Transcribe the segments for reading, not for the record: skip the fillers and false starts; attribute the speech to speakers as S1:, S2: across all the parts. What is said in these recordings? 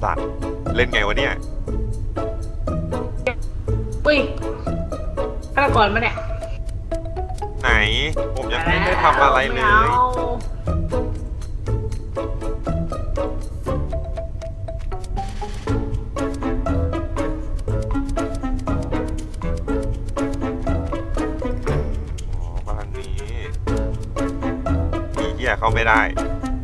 S1: สัตว์เล่นไงวะเนี่ย
S2: อุ้ยฆาตกรมาเนี่ย
S1: ไหนผมยังไม่ได้ทำอะไรเลยบ้านนี้มีเหี้ยเข้าไม่ได้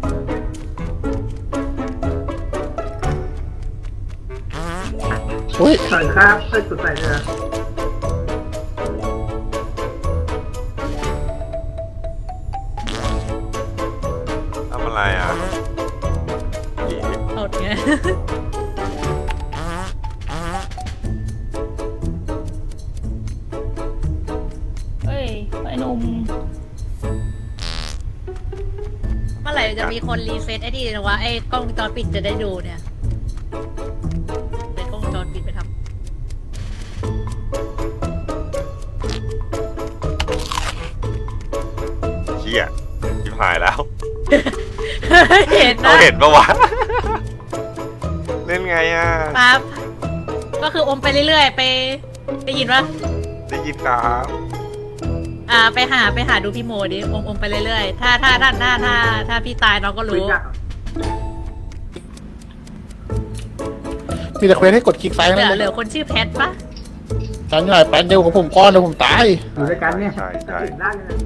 S3: อุ้ย
S2: สวัสดีครับเพื่อนสุดใจเลย
S1: ทำอะไรอ่ะ
S4: อดไง
S5: เฮ้ยไอ้หนุ่ม
S4: เมื่อไหร่จะมีคนรีเซ็ตไอ้นี่นะวะไอ้กล้องวงจรปิดจะได้ดูเนี่ยเป็นกล้องวงจรปิดไปทำ
S1: เชี่ยชิบหายแล้ว
S4: เห็น
S1: เขา
S4: นะ
S1: เห็นปะวะ เล่นไงอ่ะ
S4: ปั๊บก็คืออมไปเรื่อยๆไปได้ยินปะ
S1: ได้ยินครับ
S4: ไปหาดูพี่โมดิอมไปเรื่อยๆถ้าพี่ตายน้องก็รู้
S3: มีแต่เควสให้กดคลิกซ้าย
S4: เห
S3: นั่น
S4: ลือ
S3: เลย
S4: คนชื่อแพทปะ
S3: ฉันใหญ่แป๊บเดียวของผมก้อนเดี๋ยวผมตาย
S2: อยู่ด้วยกันเนี่ย
S1: ใช่ใช่
S2: ติดร่างเลย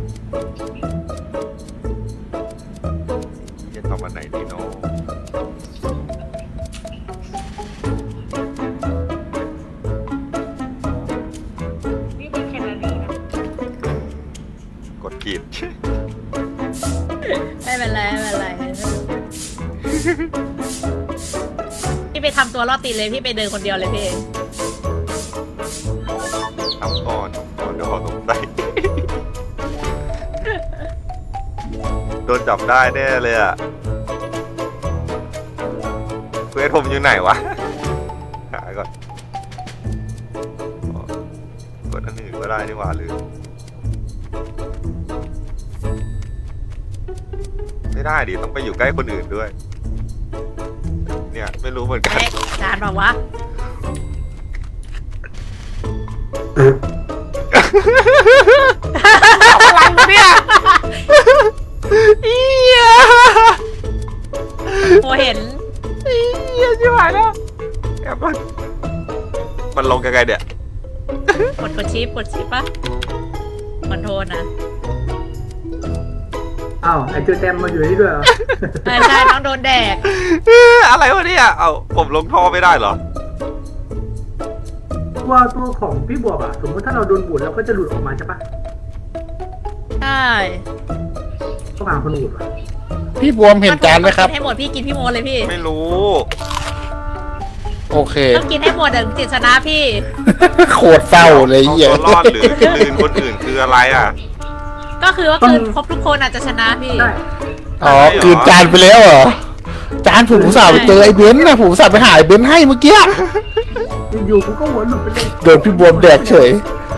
S1: จะทำอันไหนดีเนาะ
S2: นี่เป็นแคนาดีนะ
S1: กดผิด
S4: ไม่เป็นไรพี่ไปทำตัวรอดตีเลยพี่ไปเดินคนเดียวเลยพี่
S1: ทำก่อนเดี๋ยวเขาสงสัย โดนจับได้แน่เลยอ่ะเควสผมอยู่ไหนวะ หาก่อนกดอันอื่นก็ได้นี่หว่าลืมไม่ได้ดิต้องไปอยู่ใกล้คนอื่นด้วย เนี่ยไม่รู้เหมือนกัน
S4: เอ๊ะจานบอกวะ
S1: อะไรเนี่ยเอีย
S4: โมเห็น
S1: เอียชิบหายแล้วแอบมันลงยังไงเนี่ย
S4: กดชิปปะคอนโทรลนะ
S2: อ้าวไอจูเต็มมาอยู่นี่ด้วยเหรอ
S4: ใช่น้องโดนแดก
S1: อะไรวะเนี่ยเอาผมลงท่อไม่ได้เหรอ
S2: ตัวของพี่บวบอะสมมติถ้าเราโดนบูดเราก็จะหลุดออกมาใช่ปะ
S4: ใช่
S2: ต้องหาคนบูดวะ
S3: พี่บวมเห็นจานไหมครับ
S4: กินให้หมดพี่กินพี่โมเลยพี่
S1: ไม่รู้
S3: โอเค
S4: ต้องกินให้หมดเดี๋ยวจิตชนะพี่
S3: โคตรเศร้าเลย
S1: เอา
S3: เหี้ย
S1: ตัวรอดหรือลืนคนอื่นคืออะไรอ่ะ
S4: ก็คือว่าคืนครบทุกคนอาจจะชนะพี่
S2: ใช่
S3: อ๋อกลืนจานไปแล้วเหรอจานผมอุตส่าห์ไปเจอไอ้เบนซ์นะผมอุตส่าห์ไปหาไอ้เบนซ์ให้เมื่อกี้
S2: อยู่ๆกูก็หัวหลุดไปเลย
S3: โดนพี่บวมแดกเฉย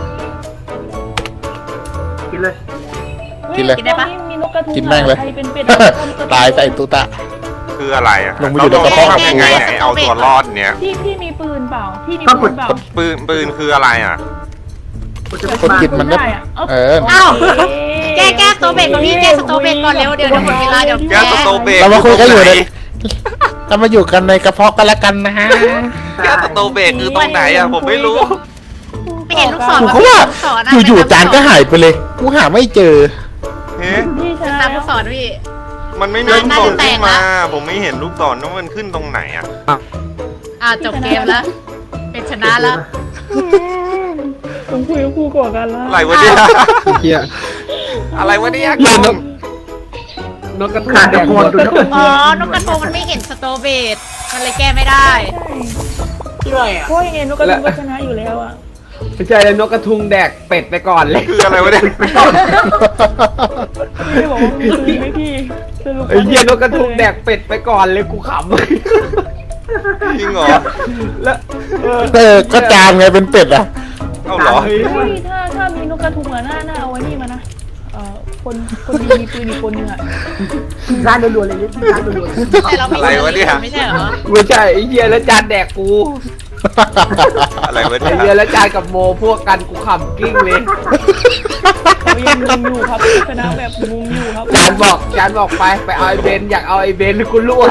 S2: กินเลย
S3: กินเลย
S4: กินได้ปะ
S5: มีนกกระทุง
S3: กินแม่งเลย
S5: ใครเป็นเป็ด
S3: ตายใส่ตุตะ
S1: คืออะไรอ่ะ
S3: ลงมาอยู่ในกระเพาะ
S1: ทำยังไงไหนเอาตัวรอดเนี้ย
S5: พี่มีปืนเปล่าพี่มี
S2: ก็
S5: ปืนเปล่า
S1: ปืนคืออะไรอ่ะ
S2: กูจะไม่
S3: คนกิน มันก็
S5: ได้อะ
S3: เออ
S4: เอ้า แก้สโตเบกก่อนพี่แก้สโตเบกก่อนเร็วเดี๋ยวหมดเวลาเดี๋ยว
S1: แก้สโตเบก
S3: เรามาคุยกันอยู่ในเรามาอยู่กันในกระเพาะกันละกันนะฮะ
S1: แก้สโตเบกคือตรงไหนอ่ะผมไม่รู้
S4: ไม่เห็นลูกศร
S3: ผมก็ว่า
S4: ลูกศรนะ
S3: อยู่ๆจานก็หายไปเลยกูหาไม่เจอ
S1: เฮ้
S5: พี่ชนะ
S4: ตามลูกศรพี่
S1: มันไม่มีลูกศร
S4: น่าจะแต
S1: ขึ้
S4: ก
S1: น
S4: นะ
S1: มา ผมไม่เห็นลูกศรว่ามันขึ้นตรงไหนอ่ะ
S4: จบเกมแล้ว เป็นชนะแล้ว
S5: ผมคุยกับครูก่อนกันแล้ว
S1: อะไรวะเนี่ย
S6: เฮีย
S1: อะไรวะเนี่ย
S6: เล่นนกกระทุง
S2: ขาด
S6: แด
S2: แต่
S6: ง
S2: โค
S6: หม
S2: น
S6: ด
S2: ดูนะ
S4: อ๋อ นกกระโทงมันไม่เห็นสโตเบตมันเลยแก้ไม่ได้
S2: ที่ไรอะ
S5: เพราะยังไงนกกระทุงก็ชนะอยู่แล้วอะ
S6: ไม่ใช่เลยนกกระทุงแดกเป็ดไปก่อนเลย
S1: คืออะไรวะเนี่ย
S5: พี่ได้บอกว่ามีปืนไหมพี่สรุป
S6: ไอ้เหี้ยนกกระทุงแดกเป็ดไปก่อนเลยกูขำ
S1: จริงเหรอ
S6: แล้ว
S3: ก็จานไงเป็นเป็ดอ่ะ
S1: เอ้าเหรอ
S6: เฮ้ย
S5: เฮ้ยถ้ามีนกกระทุงอะน่าเอาไว้นี่มานะคนดีมีปืนอีกคนนึงอ่ะ
S2: ร้านรัวๆเลยร้านรัวๆเลย
S4: แต่เราไม่
S1: อะไรวะเนี่ย
S4: ไม่ใช่เหรอ
S6: ไม่ใช่ไอ้เหี้ยแล้วจานแดกกู
S1: อะไรวะ
S6: ไอ้
S1: เนี่ย
S6: เหี้ยแล้วจานกับโมพวกกันกูขำกิ้งเลย
S5: เขายังงงอยู่ครับชนะแบบงงอยู่ครับ
S6: จานบอกไปเอาไอ้เบนอยากเอาไอ้เบนกูล่วง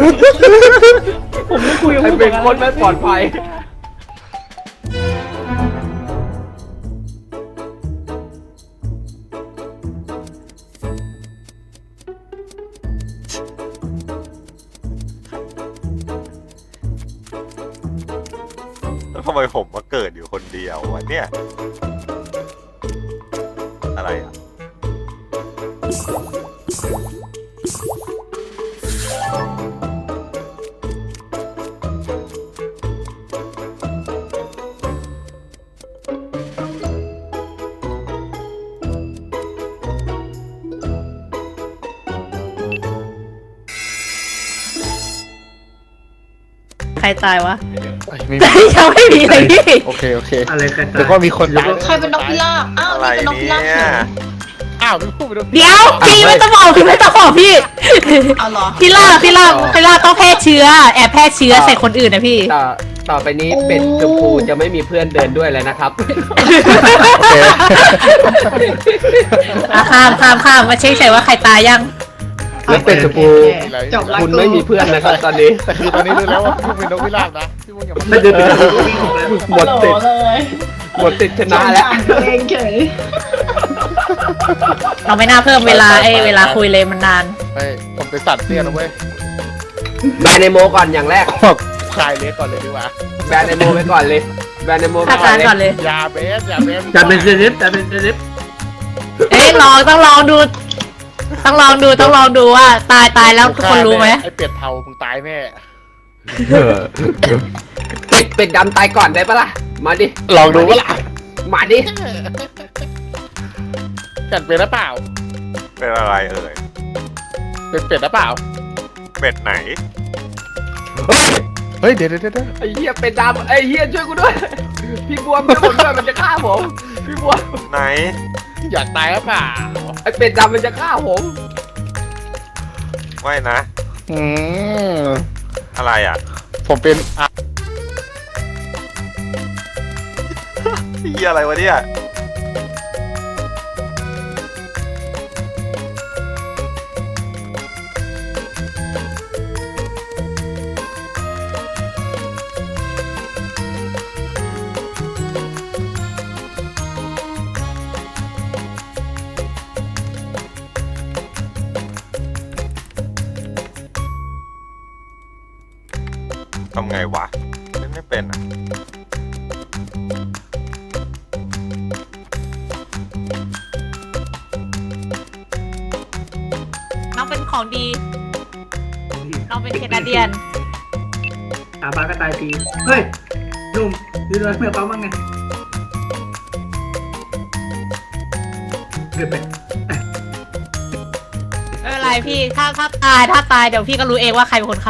S5: ผมไม่คุยกับ
S6: ไอ้
S5: ผู้
S6: เบ
S5: ก่อน การ
S6: คนไม่ปลอดภัย
S1: แล้วทำไมผมมาเกิดอยู่คนเดียววะเนี่ยอะไรอ่ะ
S4: ใครตายวะ
S3: ไม่มี
S4: ยังไม่มีเลยพี่
S3: โอเคโอเค
S2: อะไรกัน
S3: เดี๋ยวก็มีคนตาย
S7: ใครเป็นนกพิราบอ้าว
S1: อะไร
S7: นี่เป็นนกพิราบ
S1: เนี่ย
S3: อ้าวไม่พูดไปด้วย
S4: เดี๋ยวพี่ไม่ต้องบอกพี่ไม่ต้องบอกพี่
S7: เอาเหรอ
S4: พี่ล่าต้องแพร่เชื้อแอบแพร่เชื้อใส่คนอื่นนะพี่
S6: ต่อไปนี้เป็ดชมพูจะไม่มีเพื่อนเดินด้วยเลยนะครับ
S3: โอเค
S4: อ่ะข้ามมาเช็คใส่ว่าใครตายยัง
S6: แล้วเป็ดชมพู
S7: จบละ
S6: คุณไม่มีเพื่อนนะครับตอนนี้
S3: แต่คือตอนนี้รู้แล้วว่าพี่เป็นนกพิราบนะพี่มุ้งอย่ามา
S2: ถ้าเดินไปทางวิ่งออกแล้ว
S6: หมดติด
S7: เลย
S6: หมดติดชนะแล้ว
S7: ตัวเองเฉย
S4: เราไม่น่าเพิ่มเวลาเวลาคุยเลยมันนาน
S3: ไม่ผมเป็นสัตว์เตี้ยนะเว้ย
S6: แบนในโมก่อนอย่างแรก
S3: คลายเล็กก่อนเลยดีกว่า
S6: แบนในโมไปก่อนเลยแบนในโมไป
S4: ฆ่า
S6: ก่อ
S4: ตาน ย
S6: เลย
S4: ก่อนเลย
S3: ยาเบสยาเบส
S2: จะเป็นเซเลบจะเป็นเซเลบ
S4: ต้องลองดูว่าตายแล้วทุกคนรู้ไหม
S3: ไอเป็ดเทามึงตายแน่
S6: เป็ดดำตายก่อนได้ปะล่ะ มาดิ
S3: ลองดูว่าล่ะ
S6: มาดิ
S3: กัดเป็นหรือเปล่า
S1: เป็นอะไรเอ่ย
S3: เป็นเป็ดหรือเปล่า
S1: เป็ดไหน
S3: เฮ้ยเดี๋ยว
S6: ไอ้เหี้ยเป็ดดำไอ้เหี้ยช่วยกูด้วย พี่บัวมันจะผมด้วยมันจะฆ่าผม พี่บัว
S1: ไหน
S3: อยากตายหรือเปล่า
S6: ไอ้เป็ดดำมันจะฆ่าผม
S1: ไม่นะ
S3: อืม
S1: อะไรอ่ะ
S3: ผมเป็นอ่ะ
S1: พี่อะไรวะเนี่ย ทำไงวะเล่นไม่เป็นอ่ะ
S4: น้องเป็นของดี น้องเป็นแคนาเดียน
S2: อาบาก็ตายทีเฮ้ยหนุ่มยืนรอเมื่อเขาบ้างไงเกิดไป
S4: ไม่เป็นไรพี่ถ้าตายเดี๋ยวพี่ก็รู้เองว่าใครเป็นคนฆ่า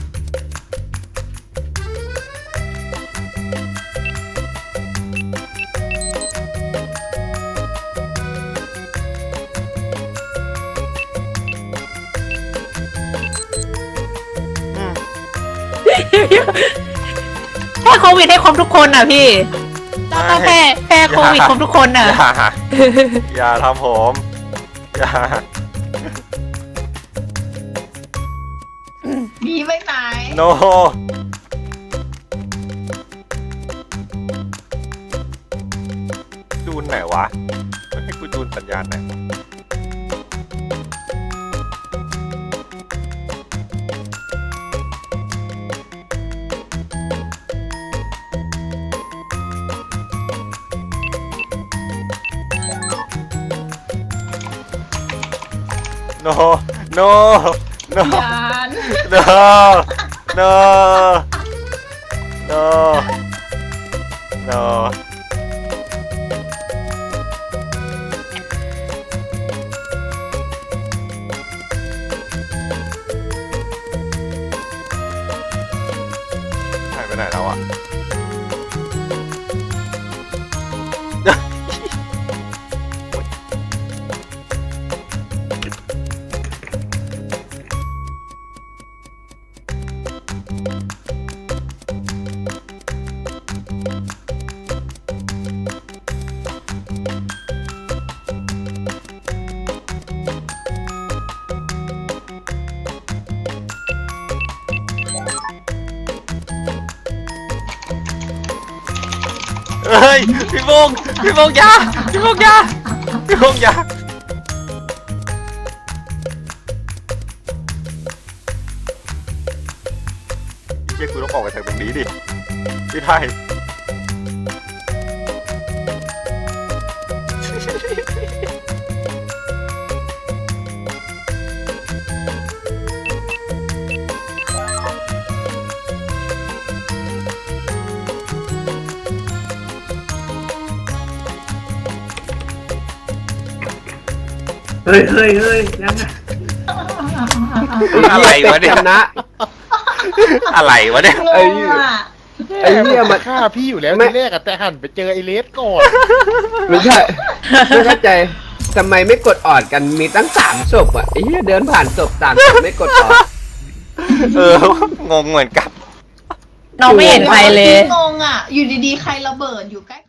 S4: แพ้โควิดให้ครบทุกคนอ่ะพี่ต้องแพ้โควิดครบทุกคนอ่ะ
S1: อย่าทำผมอย่า
S7: ดีไม่ตาย
S1: โนจูนไหนวะมันให้กูจูนสัญญาณไหนวะโน no no
S7: ยาน
S1: no no no no หายไปไหนแล้วอ่ะเฮ้ยพี่โมงยาพี่โมงยาพี่โมงยาพี่เชี่ยกูต้องออกมาจากตรงนี้ดิพี่ไทย
S2: เฮ้ยยังไง
S1: อะไรวะเนี่ย
S6: ชนะ
S1: อะไรวะเนี่ย
S7: งงอ่ะ
S6: ไอ้เหี้ยมัน
S3: ฆ่าพี่อยู่แล้ว
S6: ไม่
S3: ทีแรกอะแต่หันไปเจอไอเลสก่อน
S6: ไม่ใช่ไม่เข้าใจทำไมไม่กดออดกันมีตั้ง3ศพอ่ะไอ้เหี้ยเดินผ่านศพต่างศพไม่กดออด
S1: งงเหมือนกัน
S4: น้องไม่เห็นใครเลย
S7: งงอ่ะ อยู่ดีๆ ใครระเบิดอยู่ใกล้